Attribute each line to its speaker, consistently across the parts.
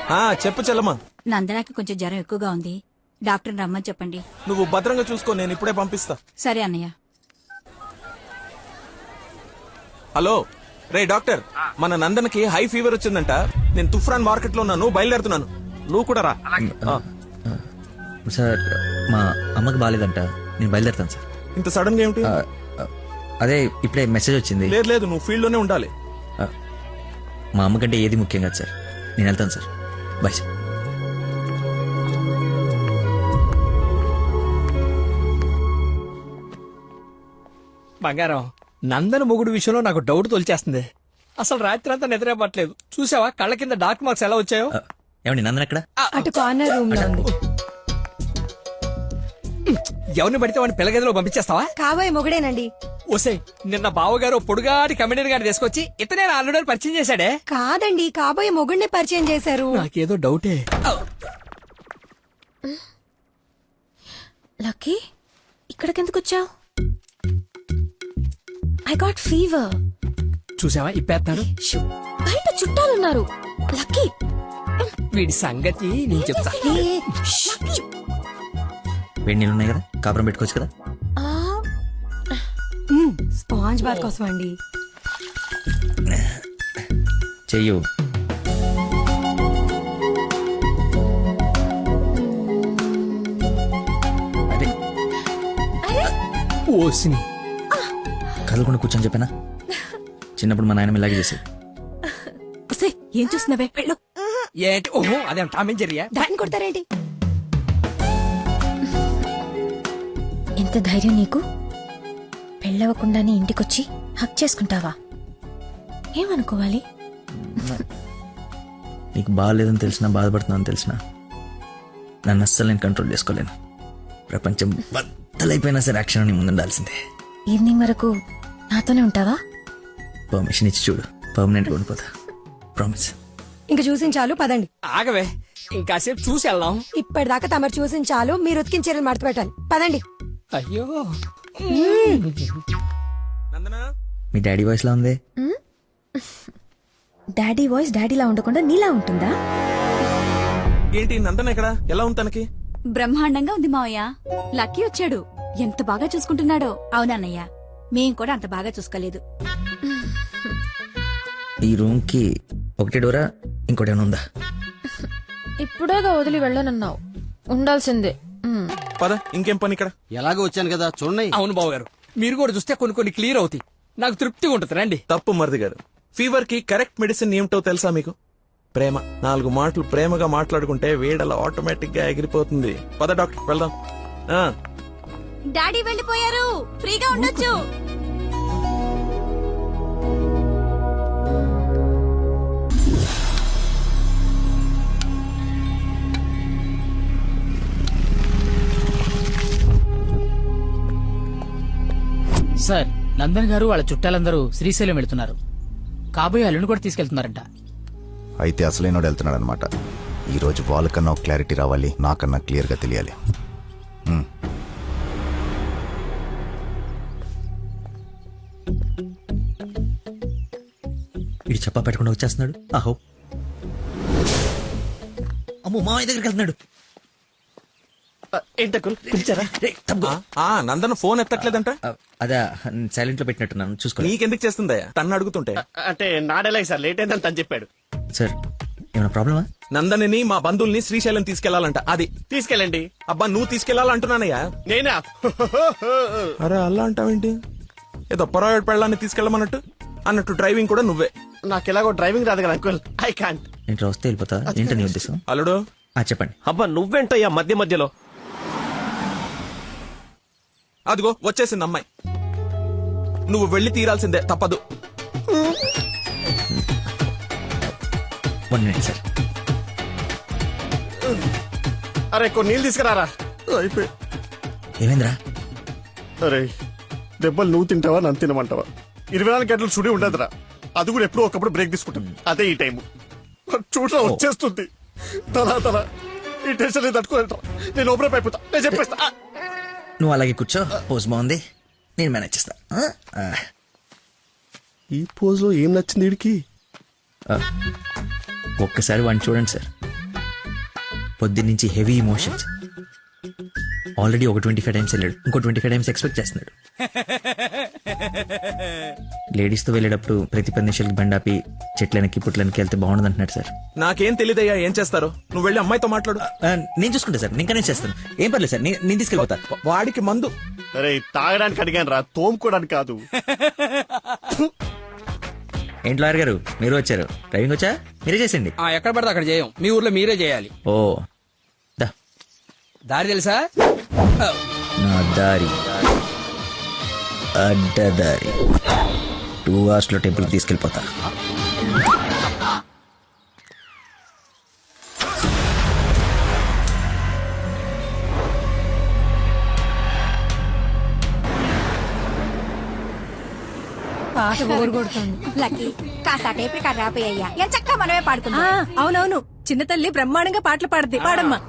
Speaker 1: చెప్పు చెల్లమ్మా.
Speaker 2: నందనాకి కొంచెం జ్వరం ఎక్కువగా ఉంది, డాక్టర్ రమ్మని చెప్పండి.
Speaker 1: నువ్వు భద్రంగా చూసుకో, నేను ఇప్పుడే పంపిస్తా.
Speaker 2: సరే అన్నయ్య.
Speaker 1: హలో రే డాక్టర్, మన నందనకి హై ఫీవర్ వచ్చిందంట. నేను తుఫ్రాన్ మార్కెట్ లో ఉన్నాను, బయలుదేరుతున్నాను. నువ్వు కూడా రా.
Speaker 3: సార్ మా అమ్మకి బాగాలేదంట, నేను బయలుదేరుతాను సార్.
Speaker 1: ఇంత సడన్ గా ఏమిటి?
Speaker 3: అదే ఇప్పుడే మెసేజ్ వచ్చింది.
Speaker 1: లేదు లేదు, నువ్వు ఫీల్డ్ లోనే ఉండాలి.
Speaker 3: మా అమ్మకంటే ఏది ముఖ్యం కాదు సార్, నేను వెళ్తాను సార్. Bye sir.
Speaker 4: బంగారం, నందన మొగుడు విషయంలో నాకు డౌట్ తొలిచేస్తుంది. అసలు రాత్రి అంతా నిద్రపట్లేదు. చూసావా కళ్ళ కింద డార్క్ మార్క్స్ ఎలా వచ్చాయో?
Speaker 3: ఏమండి నందన ఎక్కడ?
Speaker 5: అటు కార్నర్ రూమ్ లో ఉంది.
Speaker 4: ఎవరిని పడితే వాడిని పిల్లగదిలో పంపించేస్తావా?
Speaker 5: కాబోయే మొగుడేనండి.
Speaker 4: ఓసే, నిన్న బావగారు పొడుగాటి కమిడీని గారిని తీసుకొచ్చి ఇతనే ఆల్రెడీ పరిచయం చేశాడే.
Speaker 5: కాదండి, కాబోయే మొగుడిని పరిచయం చేశారు.
Speaker 4: నాకేదో డౌటే.
Speaker 6: లక్కీ, ఇక్కడికెందుకు వచ్చావు? I got fever.
Speaker 4: చూసావా ఇప్పేస్తాడు.
Speaker 6: బయట చుట్టాలున్నారు. లక్కీ,
Speaker 4: వీడి సంగతి నేను చెప్తా.
Speaker 3: వేడి నీళ్ళు ఉన్నాయి కదా, కాపురం పెట్టుకోవచ్చు కదా.
Speaker 5: స్పాంజ్ బాత్ కోసం అండి.
Speaker 3: చెయ్యు. అరే
Speaker 4: ఓసిని
Speaker 3: కదలకుండా కూర్చొని చెప్పానా? చిన్నప్పుడు మా నాయనమ్మ ఇలాగే చేసేది.
Speaker 2: ఏం చూస్తున్నావే? వెళ్ళు.
Speaker 4: ఏంటి? ఓహో, అదేం టామ్ అండ్ జెర్రీయా?
Speaker 5: దాన్ని కొడతారేంటి?
Speaker 6: ఎంత ధైర్యం నీకు? పెళ్ళవకుండానే ఇంటికొచ్చి హక్ చేసుకుంటావా? ఏమనుకోవాలి?
Speaker 3: నీకు బాగాలేదని తెలిసినా, బాధపడుతున్నాను తెలిసినా, నన్ను అస్సలు నేను కంట్రోల్ చేసుకోలేను. ప్రపంచం బద్దలైపోయినా సరే యాక్షన్ నీ ముందు ఉండాల్సిందే.
Speaker 6: ఈవినింగ్ వరకు నాతోనే ఉంటావా?
Speaker 3: పర్మిషన్ ఇచ్చి చూడు, పర్మనెంట్గా ఉండిపోతా. ప్రామిస్.
Speaker 5: ఇంక చూసించాలు, పదండి.
Speaker 4: ఆగవే, ఇంకాసేపు చూసి వెళ్దాం.
Speaker 5: ఇప్పటిదాకా తమరు చూసించాలు, మీరు ఉతికిన చీరలు మడత పెట్టాలి. పదండి.
Speaker 4: అయ్యో,
Speaker 1: నందనా,
Speaker 3: మీ డాడీ వాయిస్ లా ఉంది.
Speaker 6: డాడీ వాయిస్ డాడీలా ఉండకుండా నీలా ఉంటుందా?
Speaker 1: ఏంటి నందన ఎక్కడ? ఎలా ఉంది తనకి?
Speaker 2: బ్రహ్మాండంగా ఉంది మావయ్య. లక్కీ వచ్చాడు, ఎంత బాగా చూసుకుంటున్నాడో. అవునన్నయ్య, మేం కూడా అంత బాగా చూసుకోలేదు.
Speaker 3: ఈ రూమ్ కి ఒకటే డోరా, ఇంకోటి ఏమైనా ఉందా?
Speaker 6: ఇప్పుడేగా వదిలి వెళ్ళనన్నావు, ఉండాల్సిందే.
Speaker 1: పద, ఇంకేం పని ఇక్కడ?
Speaker 7: ఎలాగో వచ్చాను కదా చూడండి.
Speaker 4: అవును బావగారు, మీరు కూడా చూస్తే కొన్ని కొన్ని క్లియర్ అవుతాయి. నాకు తృప్తిగా ఉంటుంది. రండి.
Speaker 1: తప్పు మరిది గారు, ఫీవర్ కి కరెక్ట్ మెడిసిన్ ఏమిటో తెలుసా మీకు? ప్రేమ. 4 మాటలు ప్రేమగా మాట్లాడుకుంటే వేడలా ఆటోమేటిక్ గా ఎగిరిపోతుంది. పద డాక్టర్, వెళ్దాం.
Speaker 2: డాడీ వెళ్ళిపోయారు, ఫ్రీగా ఉండొచ్చు.
Speaker 8: సార్, నందన్ గారు వాళ్ళ చుట్టాలందరూ శ్రీశైలం వెళ్తున్నారు. కాబోయే అల్లుని కూడా తీసుకెళ్తున్నారంట.
Speaker 9: అయితే అసలైనోడు వెళ్తున్నాడు అనమాట. ఈరోజు వాళ్ళకన్నా ఒక క్లారిటీ రావాలి, నాకన్నా క్లియర్గా తెలియాలి.
Speaker 3: ఇటు చెప్పా పెట్టకుండా వచ్చేస్తున్నాడు. ఆహో, అమ్మో, మామయ్య దగ్గరికి వెళ్తున్నాడు.
Speaker 1: నందన ఫోన్ ఎత్తట్లేదంట.
Speaker 3: అదే సైలెంట్ లో పెట్టినట్టున్నాను, చూసుకో.
Speaker 1: నీకెందుకు చేస్తుందయ్యా తన్ను అడుగుతుంటే?
Speaker 7: అంటే నాడేలాగ సార్, లేట్ అయిందని తను చెప్పాడు.
Speaker 3: సార్, ఏమైనా ప్రాబ్లమా?
Speaker 1: నందనిని మా బంధువుల్ని శ్రీశైలం తీసుకెళ్లాలంట. అది
Speaker 7: తీసుకెళ్ళండి.
Speaker 1: అబ్బా, నువ్వు తీసుకెళ్లాలంటున్నానయ్యా.
Speaker 7: నేనా?
Speaker 1: అరే అలా అంటావేంటి? ఏదో పొరపాటు పెళ్ళాన్ని తీసుకెళ్ళమన్నట్టు అన్నట్టు డ్రైవింగ్ కూడా నువ్వే.
Speaker 7: నాకు ఎలాగో డ్రైవింగ్ రాదు కదా అంకుల్, ఐ కాంట్.
Speaker 3: ఏంటి వస్తే వెళ్ళిపోతా? ఏంటో నీ ఉద్దేశం?
Speaker 1: అల్లుడు,
Speaker 3: చెప్పండి.
Speaker 7: అబ్బా నువ్వేంటయ్యా మధ్య మధ్యలో?
Speaker 1: అదిగో వచ్చేసింది అమ్మాయి. నువ్వు వెళ్ళి తీరాల్సిందే, తప్పదు.
Speaker 3: 1 minute సార్.
Speaker 7: అరే కొన్ని నీళ్ళు తీసుకురారా. అయిపోయి.
Speaker 3: ఏమైందిరా?
Speaker 7: అరే దెబ్బలు నువ్వు తింటావా, నన్ను తినమంటావా? 24 గంటలు చుడి ఉండదురా. అది కూడా ఎప్పుడో ఒకప్పుడు బ్రేక్ తీసుకుంటాం. అదే ఈ టైం చూడరా వచ్చేస్తుంది. తల ఈ టెన్షన్ తట్టుకోలేట. నేను ఓపెన్ అయిపోతా, నేను చెప్పేస్తా.
Speaker 3: నువ్వు అలాగే కూర్చో, పోజ్ బాగుంది, నేను మేనేజ్ చేస్తా.
Speaker 7: ఈ పోజ్ లో ఏం నచ్చింది వీడికి?
Speaker 3: ఒక్కసారి వాడిని చూడండి సార్, పొద్దున్నుంచి హెవీ ఇమోషన్స్. ఆల్రెడీ ఒక 25 టైమ్స్ వెళ్ళాడు, ఇంకో 25 టైమ్స్ ఎక్స్పెక్ట్ చేస్తున్నాడు. లేడీస్ తో వెళ్ళేటప్పుడు ప్రతి 10 నిమిషాలకి బండాపి చెట్లకి పుట్లకి వెళ్తే బాగుండదు అంటున్నాడు సార్.
Speaker 1: నాకేం తెలియదయ్యా ఏం చేస్తారో. నువ్వు వెళ్ళి అమ్మాయితో మాట్లాడు.
Speaker 3: నేను చూసుకుంటా సార్, నేను కనెక్ట్ చేస్తాను. ఏం పర్లేదు సార్, నేను తీసుకెళ్ళిపోతా.
Speaker 1: వాడికి మందు.
Speaker 7: అరే తాగడానికి అడిగాను రా, తోముకోవడానికి కాదు.
Speaker 3: ఏంటి లాయర్ గారు మీరు వచ్చారు? డ్రైవింగ్ వచ్చా? మీరే చేసండి.
Speaker 4: ఎక్కడ పడితే అక్కడ చేయం, మీ ఊర్లో మీరే చేయాలి.
Speaker 3: ఓ దా
Speaker 4: దారి తెలుసా?
Speaker 3: నా దారి అడ్డదారి 2 hours లో టెంపుల్ తీసుకెళ్ళిపోతా.
Speaker 5: పాట బోర్ కొడుతుంది.
Speaker 2: లక్కీ కాస్త టేప్ రికార్డ్ రాపోయ్యా ఎంత చక్కగా మనమే పాడుకుందాం.
Speaker 5: అవునవును, చిన్న తల్లి బ్రహ్మాండంగా పాటలు పాడుద్ది. పాడమ్మా.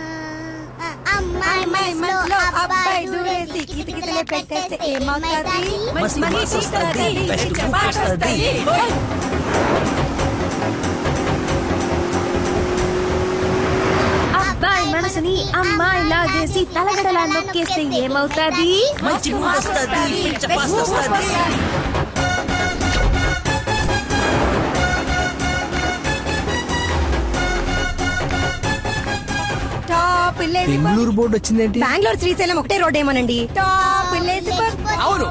Speaker 5: అమ్మాయి మనసులో అబ్బాయి దూరేసి కితకితలే పెట్టేస్తే ఏమవుతుంది? మంచి మనసు వస్తది, మంచి పాట వస్తది.
Speaker 6: అబ్బాయి మనసుని అమ్మాయి లాగేసి తలగడలా నొక్కేస్తే ఏమవుతాది?
Speaker 3: మంచి వస్తది, పిచ్చ వస్తది.
Speaker 5: టాప్ విలేజ్
Speaker 4: బెంగళూరు బోర్డు వచ్చిందేంటి?
Speaker 5: బెంగళూరు శ్రీశైలం ఒకటే రోడ్ ఏమోనండి. టాప్ విలేజ్
Speaker 4: అవును.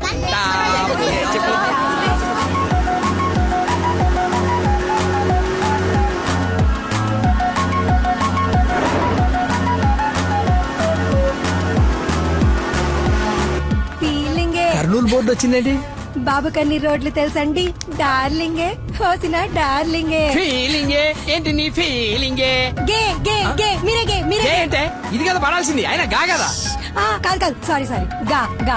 Speaker 5: ఫీలింగే.
Speaker 4: కర్నూలు బోర్డు వచ్చిందేంటి?
Speaker 5: బాబు కన్ని రోడ్లు తెలుసండి. డార్లింగే హోసిన డార్లింగే.
Speaker 4: ఫీలింగే ఏంటి నీ ఫీలింగే?
Speaker 5: గే గే గే మీరే గే మీరే గే.
Speaker 4: ఏంటే ఇది కదా పడాల్సింది, అయినా గా కదా.
Speaker 5: కాదు కాదు, సారీ సారీ, గా గా.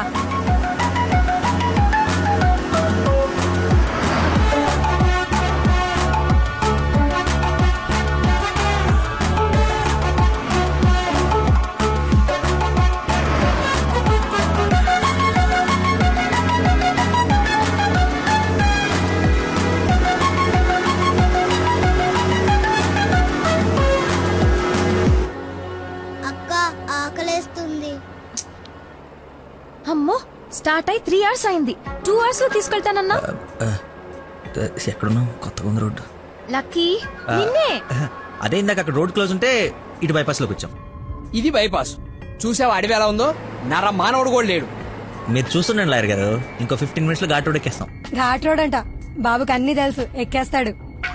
Speaker 6: అమ్మో, స్టార్ట్ అయి 3 hours అయింది. 2 hours లో తీసుకెళ్తానన్నా.
Speaker 3: ఎక్కడున్నావు? కొత్తగా ఉంది రోడ్డు.
Speaker 6: లక్కీ నిన్నే.
Speaker 3: అదే ఇందాక అక్కడ రోడ్ క్లోజ్ ఉంటే ఇటు బైపాస్ లోకి వచ్చాం.
Speaker 4: ఇది బైపాస్. చూసావా అడవి ఎలా ఉందో? నర మానవుడు కూడా లేడు.
Speaker 3: మీరు చూస్తుండండి లాయర్ గారు, ఇంకో 15 minutes లో ఘాట్ రోడ్ ఎక్కేస్తాం.
Speaker 5: ఘాట్ రోడ్ అంట. బాబుకి అన్ని తెలుసు, ఎక్కేస్తాడు.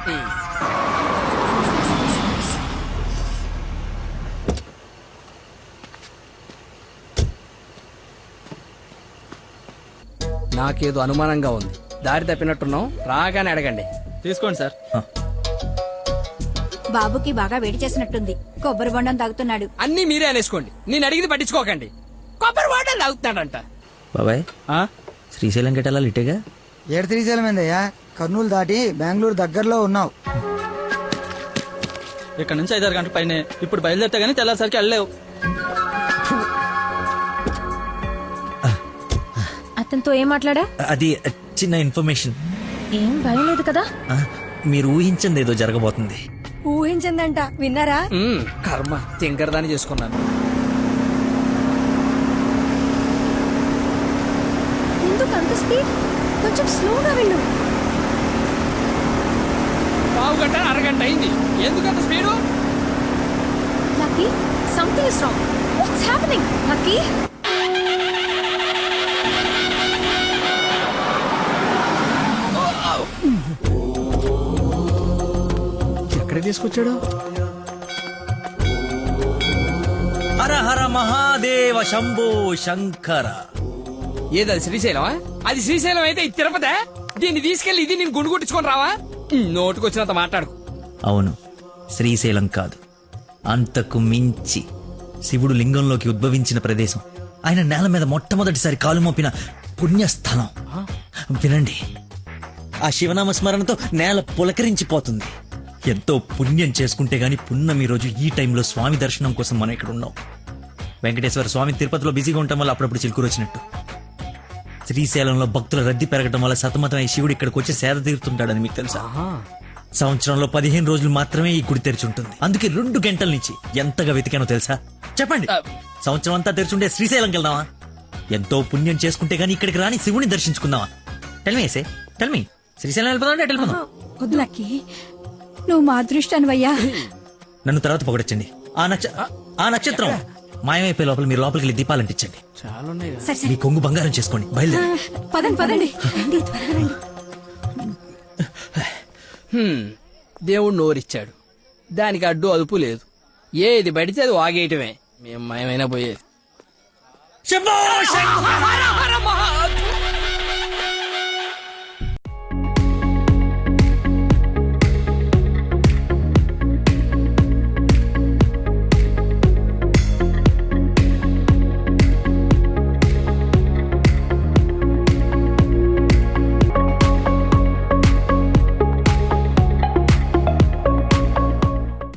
Speaker 4: నాకేదో అనుమానంగా ఉంది. దారి తప్పినట్టున్నాం, రాగానే అడగండి.
Speaker 8: తీసుకోండి సార్.
Speaker 2: బాబుకి బాగా వేడి చేసినట్టుంది, కొబ్బరి బొండం తాగుతున్నాడు.
Speaker 4: అన్నీ మీరే అనేసుకోండి, నేను అడిగింది పట్టించుకోకండి. కొబ్బరి వాటర్ తాగుతున్నాడంట.
Speaker 3: బాబాయ్ శ్రీశైలం గెటాలా ఇటేగా?
Speaker 10: ఏడు శ్రీశైలం ఏందయ్యా? కర్నూలు దాటి బెంగళూరు దగ్గరలో ఉన్నావు.
Speaker 8: ఇక్కడ నుంచి 5-6 గంటల పైన. ఇప్పుడు బయలుదేరితే గానీ తెల్లారిసరికి వెళ్ళలేవు.
Speaker 6: అతనితో ఏం మాట్లాడా?
Speaker 3: అది చిన్న ఇన్ఫర్మేషన్.
Speaker 6: ఏం భయం లేదు కదా?
Speaker 3: మీరు ఊహించింది ఏదో జరగబోతుంది.
Speaker 5: ఊహించిందంట, విన్నారా?
Speaker 4: కర్మ తింకరదాన్ని చేసుకున్నాను.
Speaker 6: ఎందుకు అంత స్పీడ్? కొంచెం స్లోగా వెళ్ళు.
Speaker 4: పావు గంట అరగంట అయింది, ఎందుకంత speed?
Speaker 6: Lucky, something is wrong. What's happening? Lucky,
Speaker 4: ఎక్కడ తీసుకొచ్చాడు?
Speaker 3: హర హర మహాదేవ శంభో శంకర.
Speaker 4: ఏది శ్రీశైలమా? అది శ్రీశైలం అయితే ఇది తిరుపతే. దీన్ని తీసుకెళ్లి ఇది నేను గుండు కొట్టించుకొని రావా? నోటుకొచ్చినంత మాట్లాడుకు.
Speaker 3: అవును, శ్రీశైలం కాదు, అంతకు మించి శివుడు లింగంలోకి ఉద్భవించిన ప్రదేశం, ఆయన నేల మీద మొట్టమొదటిసారి కాలు మోపిన పుణ్యస్థలం. వినండి, ఆ శివనామ స్మరణతో నేల పులకరించిపోతుంది. ఎంతో పుణ్యం చేసుకుంటే గాని పున్నమి రోజు ఈ టైంలో స్వామి దర్శనం కోసం మనం ఇక్కడ ఉన్నాం. వెంకటేశ్వర స్వామి తిరుపతిలో బిజీగా ఉండటం వల్ల అప్పుడప్పుడు చిలుకూరు వచ్చినట్టు. శ్రీశైలంలో భక్తుల రద్దీ పెరగడం వల్ల సతమతమై శివుడు ఇక్కడికి వచ్చి సేద తీరుతుంటాడని మీకు తెలుసా? సంవత్సరంలో 15 రోజులు మాత్రమే ఈ గుడి తెరిచి ఉంటుంది. అందుకే 2 గంటల నుంచి ఎంతగా వెతికానో తెలుసా? చెప్పండి. సంవత్సరం అంతా తెరిచుండే శ్రీశైలంకి వెళ్దామా? ఎంతో పుణ్యం చేసుకుంటే గానీ ఇక్కడికి రాని శివుని దర్శించుకుందామా? టెల్మీ టెల్మీ శ్రీశైలం వెళ్ళిపోదాం అంటే వెళ్ళిపోదాం.
Speaker 2: వద్దు లక్కీ, నువ్వు మా అదృష్టానివయ్యా.
Speaker 3: నన్ను తర్వాత పొగడొచ్చండి. ఆ నక్షత్రం మాయమైపోయే లోపల మీరు లోపలికి వెళ్ళి దీపాలు అంటించండి.
Speaker 2: సరే
Speaker 3: మీ కొంగు బంగారం చేసుకోండి. బయలుదేరి.
Speaker 2: పదండి పదండి రండి, త్వరగా రండి.
Speaker 4: దేవుడు నోరిచ్చాడు, దానికి అడ్డు అదుపు లేదు. ఏది పడితే అది వాగేయటమే. మేము మయమైనా పోయేది.
Speaker 3: శంభో శంకర!